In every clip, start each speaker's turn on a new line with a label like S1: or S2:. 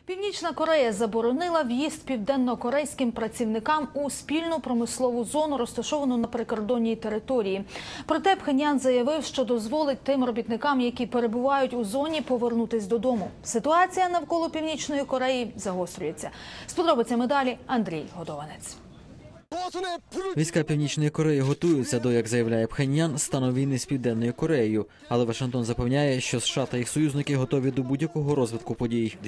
S1: Північна Корея заборонила в'їзд південно-корейським працівникам у спільну промислову зону, розташовану на прикордонній території. Проте Пхеньян заявив, що дозволить тим робітникам, які перебувають у зоні, повернутись додому. Ситуація навколо Північної Кореї загострюється. З подробицями далі Андрій Годованець.
S2: Війська Північної Кореї готуються до, як заявляє Пхеньян, стану війни з Південною Кореєю. Але Вашингтон запевняє, що США та їх союзники готові до будь-якого розвитку подій.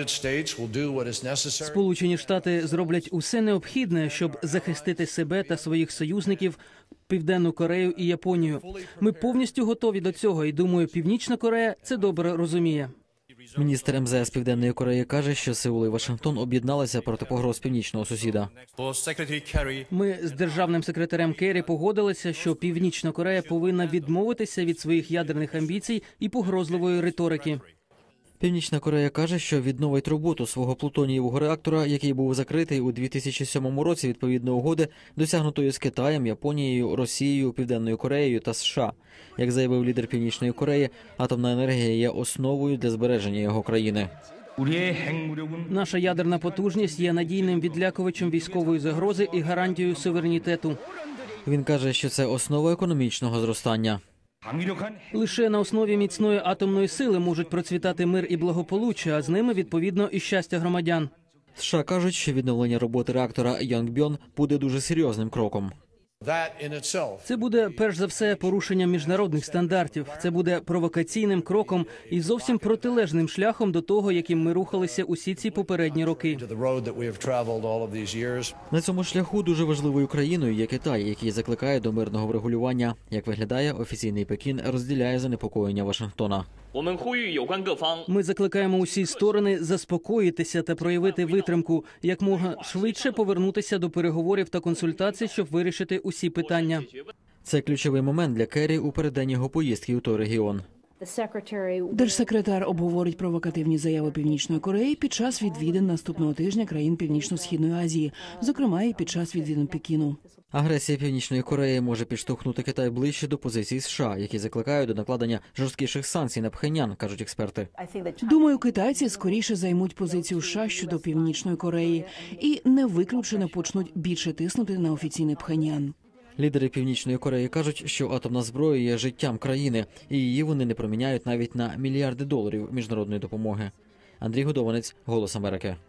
S3: Сполучені Штати зроблять усе необхідне, щоб захистити себе та своїх союзників, Південну Корею і Японію. Ми повністю готові до цього і, думаю, Північна Корея це добре розуміє.
S2: Міністр МЗС Південної Кореї каже, що Сеул і Вашингтон об'єдналися проти погроз північного сусіда.
S3: Ми з державним секретарем Керрі погодилися, що Північна Корея повинна відмовитися від своїх ядерних амбіцій і погрозливої риторики.
S2: Північна Корея каже, що відновить роботу свого плутонієвого реактора, який був закритий у 2007 році відповідно угоди, досягнутої з Китаєм, Японією, Росією, Південною Кореєю та США. Як заявив лідер Північної Кореї, атомна енергія є основою для збереження його країни.
S3: Наша ядерна потужність є надійним відлякувачем військової загрози і гарантією суверенітету.
S2: Він каже, що це основа економічного зростання.
S3: Лише на основі міцної атомної сили можуть процвітати мир і благополуччя, а з ними, відповідно, і щастя громадян.
S2: США кажуть, що відновлення роботи реактора Йонгбьон буде дуже серйозним кроком.
S3: Це буде, перш за все, порушенням міжнародних стандартів. Це буде провокаційним кроком і зовсім протилежним шляхом до того, яким ми рухалися усі ці попередні роки.
S2: На цьому шляху дуже важливою країною є Китай, який закликає до мирного врегулювання. Як виглядає, офіційний Пекін розділяє занепокоєння Вашингтона.
S3: Ми закликаємо усі сторони заспокоїтися та проявити витримку, якомога швидше повернутися до переговорів та консультацій, щоб вирішити усі питання.
S2: Це ключовий момент для Керрі у переддень його поїздки у той регіон.
S4: Держсекретар обговорить провокативні заяви Північної Кореї під час відвідин наступного тижня країн Північно-Східної Азії, зокрема і під час відвідин Пекіну.
S2: Агресія Північної Кореї може підштовхнути Китай ближче до позицій США, які закликають до накладення жорсткіших санкцій на Пхеньян, кажуть експерти.
S4: Думаю, китайці скоріше займуть позицію США щодо Північної Кореї і не виключено почнуть більше тиснути на офіційний Пхеньян.
S2: Лідери Північної Кореї кажуть, що атомна зброя є життям країни, і її вони не проміняють навіть на мільярди доларів міжнародної допомоги. Андрій Годованець, Голос Америки.